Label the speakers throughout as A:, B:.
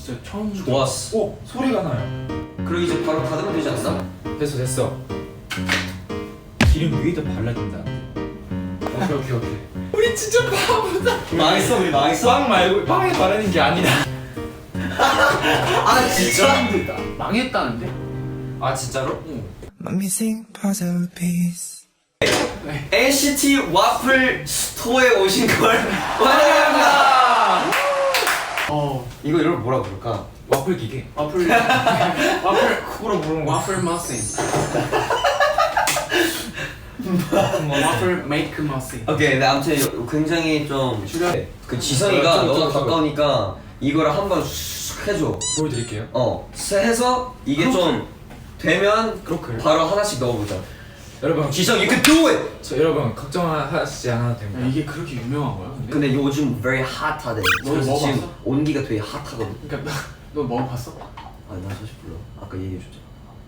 A: 진짜 처음.
B: 좋았어.
C: 오! 소리가 나요.
B: 그리고 이제 바로 닫으면 되지 않나?
C: 됐어. 기름 위에다 발라준다. 오케이.
A: 우리 진짜 바보다.
B: 망했어, 우리 망했어.
C: 빵 말고 빵에 바르는 게 아니라.
B: 아 진짜 힘들다.
A: 망했다는데?
C: 아 진짜로?
D: My missing puzzle piece.
B: NCT 와플 스토어에 오신 걸 환영합니다. 이거 이걸 뭐라 부를까?
C: 와플 기계.
A: 와플
C: 그거로 부르는 거.
A: 와플 머신. 와플 메이크 머신.
B: 오케이, 네, 아무튼 굉장히 좀 그 지성이가 너가 가까우니까 이거를 한번 슉 해줘.
C: 보여드릴게요.
B: 해서 이게 좀 되면
C: 그렇게.
B: 바로 하나씩 넣어보자.
C: 여러분,
B: 지성, you can do it.
C: 여러분 걱정하시지 않아도 됩니다.
A: 이게 그렇게 유명한 거야?
B: 근데 요즘 very hot하대.
A: 너
B: 그래서
A: 먹어봤어?
B: 지금 온기가 되게 핫하거든.
A: 그러니까 너 먹어봤어?
B: 나 사실 몰라. 아까 얘기해줬잖아.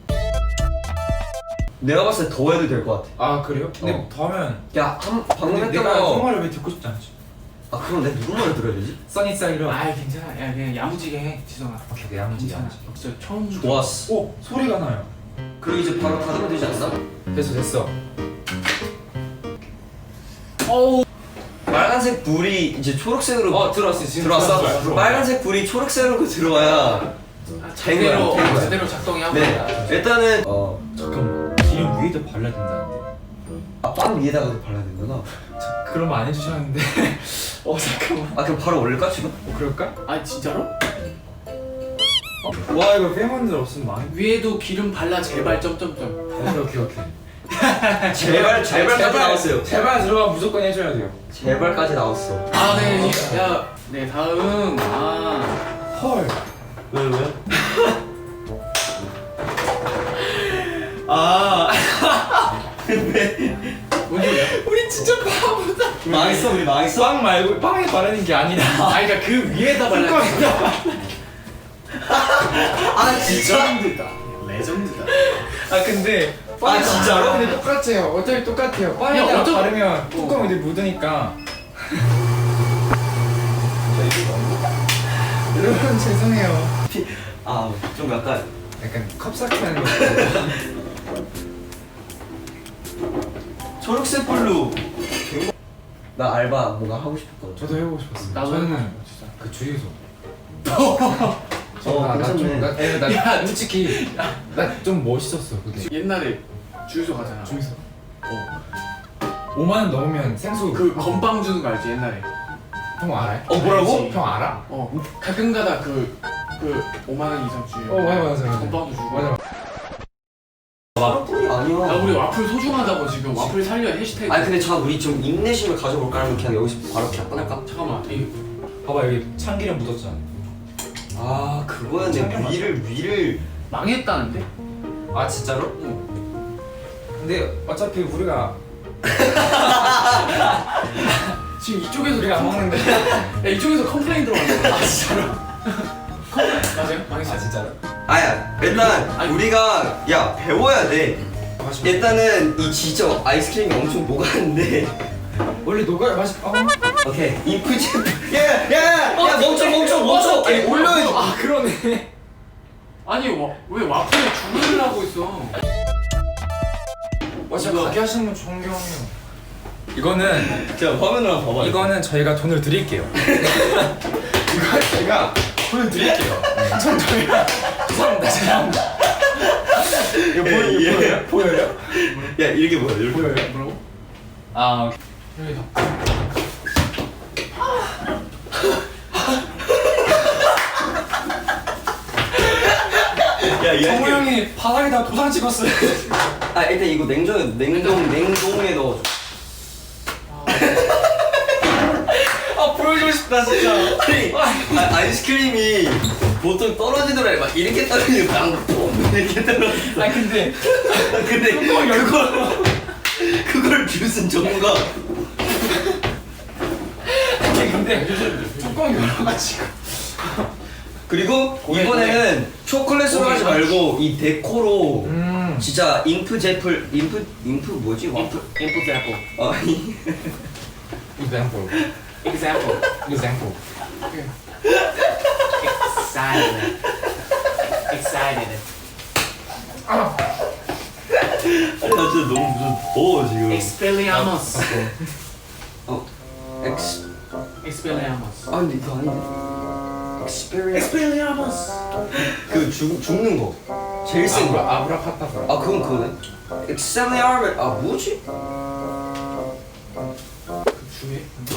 B: 내가 봤을 때 더 해도 될 것 같아.
C: 아 그래요? 근데 더하면
B: 방금 했던
C: 내가 그
B: 거.
C: 말을 왜 듣고 싶지 않지?
B: 그럼 내가 누구 말을 들어야 되지?
C: 써니사이로.
A: 아 괜찮아. 야 그냥 야무지게 해 지성아.
C: 오케이, 내 아무지.
A: 괜찮아. 진짜 처음.
B: 좋았어.
C: 오! 소리가 나요.
B: 그리고 이제 바로 닫으면 되지 않나?
C: 됐어.
A: 어우.
B: 빨간색 불이 이제 초록색으로
A: 들어왔어 지금.
B: 들어왔어?
A: 들어왔어.
B: 빨간색 불이 초록색으로 들어와야
A: 제대로
B: 된 거야.
A: 제대로 작동이 하고.
B: 네, 일단은
C: 잠깐만. 기름 위에다 발라준다는데.
B: 빵 위에다가도 발라야 되구나.
C: 그럼 안 해주셨는데. 잠깐만.
B: 그럼 바로 올릴까 지금?
C: 그럴까?
A: 아 진짜로?
C: 와 이거 팬분들 없으면 망해.
A: 위에도 기름 발라 제발 점점점.
C: 오케이.
B: 제발까지 나왔어요.
C: 제발 들어가 무조건 해줘야 돼요.
B: 제발까지 나왔어.
A: 네 다음.
C: 헐.
B: 왜요?
A: 뭔 소리야?
C: 우리 진짜 바보다.
B: 망했어, 우리 망했어.
C: 빵 말고 빵에 바르는 게 아니라.
A: 그러니까 그 위에다 발라.
B: 진짜?
A: 레전드다. 레전드다.
C: 근데.
B: 진짜로?
C: 근데 똑같아요. 어차피 똑같아요.
A: 야,
C: 빵에다가
A: 어쩌-
C: 바르면 뚜껑 이제 묻으니까. 여러분 죄송해요.
B: 좀 약간
C: 약간 컵사키 하는 거.
B: 초록색 불로. 나 알바 뭔가 하고 싶었거든.
C: 저도 해보고 싶었어요.
A: 나도
C: 저는
A: 진짜.
C: 그 주유소.
B: 괜찮네.
C: 나 솔직히 나 좀 멋있었어 그게.
A: 옛날에 주유소 가잖아.
C: 주유소. 5만 원 넘으면 생수.
A: 그 건빵 주는 거 알지 옛날에?
C: 형 알아요?
B: 뭐라고?
A: 알지.
C: 형 알아?
A: 가끔가다 그 5만 원 이상 주유.
C: 맞아.
A: 건빵도 주고.
C: 맞아.
B: 와플이 아니야.
A: 야 우리 와플 소중하다고 지금 와플 살려 해시태그.
B: 근데 우리 좀 인내심을 가져볼까 하면 그냥 여기서 바로 그냥 꺼낼까?
A: 잠깐만.
C: 봐봐 여기 참기름 묻었잖아.
B: 그거는 위를
A: 망했다는데?
C: 아 진짜로? 근데 어차피 우리가
A: 지금 이쪽에서
C: 우리가 안 먹는데.
A: 야 이쪽에서 컴플레인 들어왔네. 진짜로? 맞아요? 망했어.
C: 진짜로?
B: 일단 우리가 배워야 돼. 일단은 이 진짜 아이스크림이 엄청 녹았는데.
C: 원래 녹아야 맛있.
B: 오케이. 인프제. 야 멈춰. 아니 올려야지.
C: 그러네.
A: 아니 왜 와플에 주문을 하고 있어?
C: 진짜 가게 하시는 분 존경해요. 이거는
B: 자 화면으로 한번 봐봐.
C: 이거는 저희가 돈을 드릴게요. 이거 저희가 돈을 드릴게요. 저희가 죄송합니다. 이거 보여요?
B: 야 이렇게 보여. 이렇게.
C: 보여요?
A: 뭐라고? 여기다.
B: 야
C: 성우 형이 바닥에다 도장 찍었어요.
B: 일단 이거 냉동에 넣어줘.
C: 보여주고 싶다 진짜.
B: 아니 아이스크림이 보통 떨어지더라 막 이렇게 떨어지고 뽕 이렇게 떨어져.
C: 근데
B: 그걸 뷰슨 전문가.
C: 근데 뚜껑이 열어가지고.
B: 그리고 이번에는 초콜릿으로 하지 말고 이 데코로 진짜 인프 뭐지? 와플?
A: example.
C: example.
A: example.
C: example.
A: Excited.
B: 아니 나 진짜 너무 무슨 더워 지금.
A: Expelliarmus.
B: 엑스
A: Expelliarmus.
B: 아 근데 이거 아닌데. Experience.
A: Expelliarmus.
B: 그 죽는 거. 제일 센 거.
C: 아브라카타브라.
B: 아 그건 그거네. Expelliarmus. 아 뭐지?
C: 주에?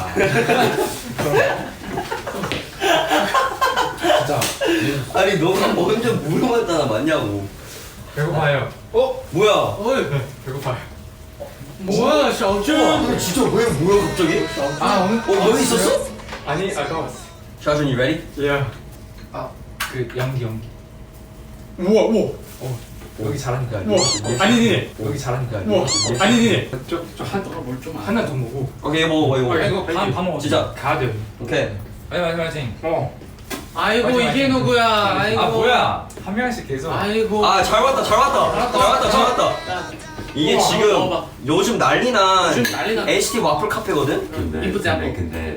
C: 진짜
B: 아니 너가 먼저 물어봤잖아 맞냐고.
C: 배고파요.
B: 뭐야?
A: 어이.
C: 배고파요.
A: 뭐야, 샤오쭈?
B: 아, 진짜 왜 뭐야 갑자기?
C: 아 오늘
B: 여기 있었어?
C: 아니 아까 왔어.
B: 샤준 you ready?
C: 예. 아그 연기.
A: 우와, 우와.
C: 여기 잘한다.
A: 우와. 아니, 니네.
C: 여기 잘한다.
A: 우와. 아니, 니네.
C: 저한
A: 뭘좀
C: 하나 더 먹고.
B: 오케이 먹어 이거.
C: 이거 다 먹어.
B: 진짜.
C: 가야 돼.
B: 오케이.
C: 화이팅.
A: 아이고,
C: 맞아,
A: 이게
C: 맞아.
A: 누구야? 아이고.
C: 아 뭐야? 한 명씩 계속.
A: 아이고.
B: 아 잘 왔다 잘 왔다. 이게
A: 우와,
B: 지금
A: 먹어봐.
B: 요즘 난리난
A: 요즘 난리난
B: HT 와플 카페거든.
A: 이쁘지 않고.
E: 근데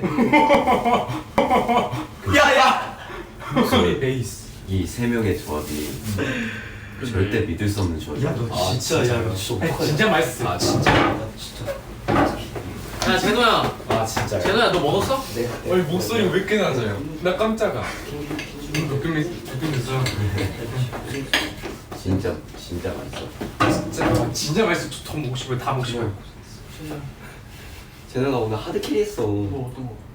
B: 야야.
C: 목소리 베이스.
E: 이 세 명의 조합이 절대 믿을 수 없는 조합이야.
B: 너 진짜 야 진짜.
C: 진짜 맛있어.
E: 아 진짜.
A: 야, 제노야.
C: 아 진짜.
A: 제노야, 너 먹었어?
B: 네.
C: 어이 목소리 왜 이렇게 낮아요? 나 깜짝아. 느낌이 있어.
E: 진짜 맛있어.
C: 진짜 맛있어. 더 먹고 싶어요. 다 먹고 싶어요.
B: 쟤네가 오늘 하드 캐리했어.
A: 뭐, 어떤 거?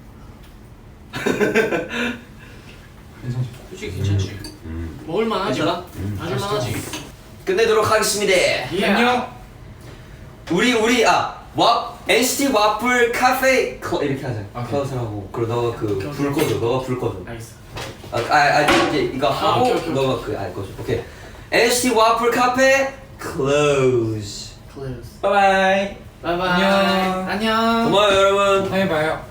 C: 괜찮지?
A: 솔직히 괜찮지? 먹을만하지?
B: 괜찮아?
A: 마실만하지?
B: 끝내도록 하겠습니다.
A: 예.
C: 안녕.
B: 우리 NCT 와플 카페 이렇게 하자.
C: 오케이.
B: 클라우스 하고 그리고 너가 그
A: 오케이,
B: 불
A: 오케이.
B: 꺼줘. 너가 불 꺼줘.
A: 알겠어.
B: 이제 이거 하고
A: 오케이, 오케이,
B: 너가 그 꺼줘. 오케이. NCT 와플 카페 close.
A: Close.
C: 바이바이.
A: 바이바이.
C: 안녕.
A: 안녕.
B: 고마워요 여러분.
C: 다음에 봐요.